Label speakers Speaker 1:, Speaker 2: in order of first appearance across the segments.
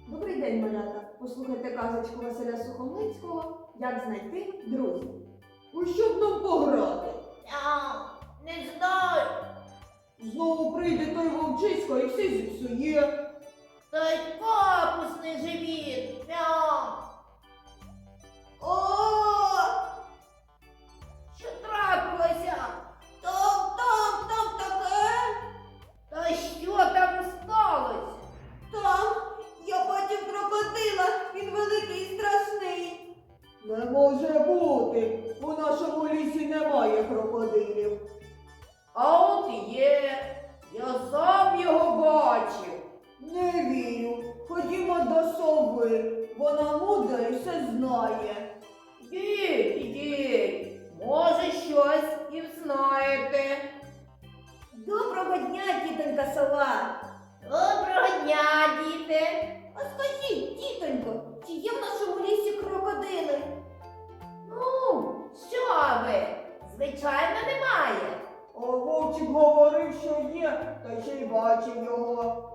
Speaker 1: Добрий день, малята! Послухайте казочку Василя Сухомлинського «Як знайти друзів».
Speaker 2: У що б нам пограти?
Speaker 3: Не знаю.
Speaker 2: Знову прийде той вовчисько і все зіпсує.
Speaker 3: Та й капусний живіт. Мяу. О! Що трапилося? Там таке. Та що там сталося?
Speaker 4: Там я бачив крокодила, він великий і страшний.
Speaker 2: Не може бути. У нашому лісі немає крокодилів.
Speaker 3: А от є. Я сам його бачив.
Speaker 2: Не вірю. Ходімо до сови. Вона мудра і все знає.
Speaker 3: Ідіть. Може, щось і знаєте.
Speaker 4: Доброго дня, тітонька сова.
Speaker 3: Доброго дня, діти.
Speaker 4: А скажіть, тітонько, чи є в нашому лісі крокодили?
Speaker 3: Ну, що ви? Звичайно, немає.
Speaker 2: А вовчик говорив, що є, та ще й бачив його.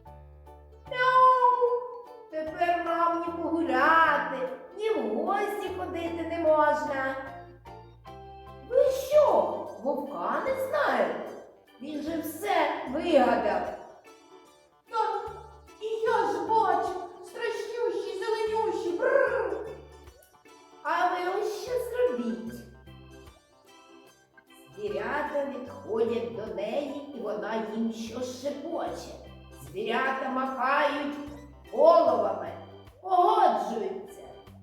Speaker 3: Мяу. Тепер нам ні погуляти, ні в гості ходити не можна. Ви що, вовка не знаєте? Він же все вигадав.
Speaker 4: Так, і я ж бачу, страшнющі, зеленющі. Бррр.
Speaker 3: А ви ось що зробіть. Звірята відходять до неї, і вона їм щось шепоче. Звірята махають головами, погоджуються.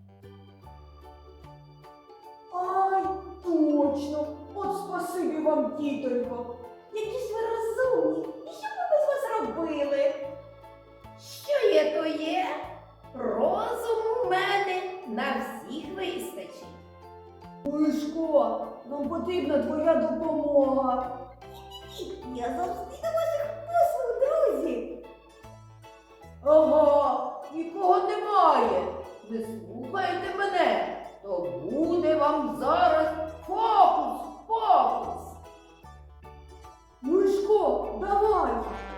Speaker 2: Ай, точно. От спасибі вам, тітонько.
Speaker 4: Які ж ви розумні. І що б ми без вас робили?
Speaker 3: Що є, то є. Розуму в мене на всіх вистачить.
Speaker 2: Мишко, нам потрібна твоя допомога.
Speaker 4: Я завжди до ваших послуг, друзі.
Speaker 3: Ага, нікого немає. Ви слухайте мене, то буде вам зараз фокус.
Speaker 2: Мишко, давай.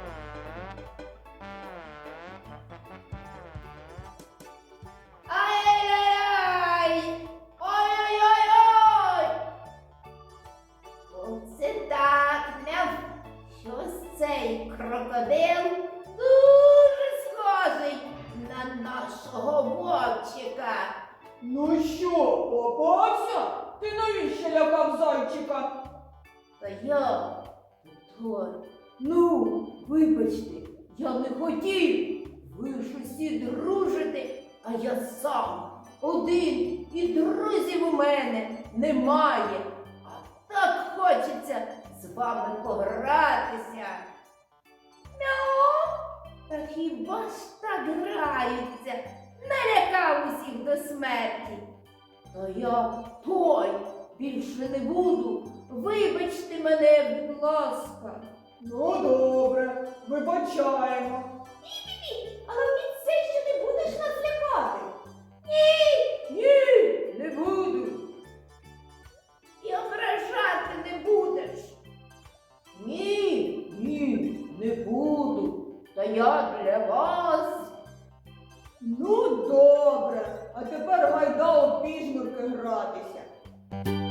Speaker 3: Ай-яй-яй! Ой-ой-ой-ой! Оце так, мяв. Щось цей крокодил дуже схожий на нашого вовчика.
Speaker 2: Ну що, попався? Ти навіщо лякав зайчика?
Speaker 3: Та я той. Ну, вибачте, я не хотів. Ви ж усі дружите, а я сам один, і друзів у мене немає. А так хочеться з вами погратися. Мяу! Та хіба ж так граються? Налякав усіх до смерті. Та я той більше не буду. Вибачте мене, будь ласка.
Speaker 2: Ну добре, вибачаємо.
Speaker 4: Але обіцяй, що не будеш нас лякати.
Speaker 3: Ні, не буду. І ображати не будеш. Ні, не буду. Та я для вас.
Speaker 2: Ну добре, а тепер гайда у піжмурки гратися.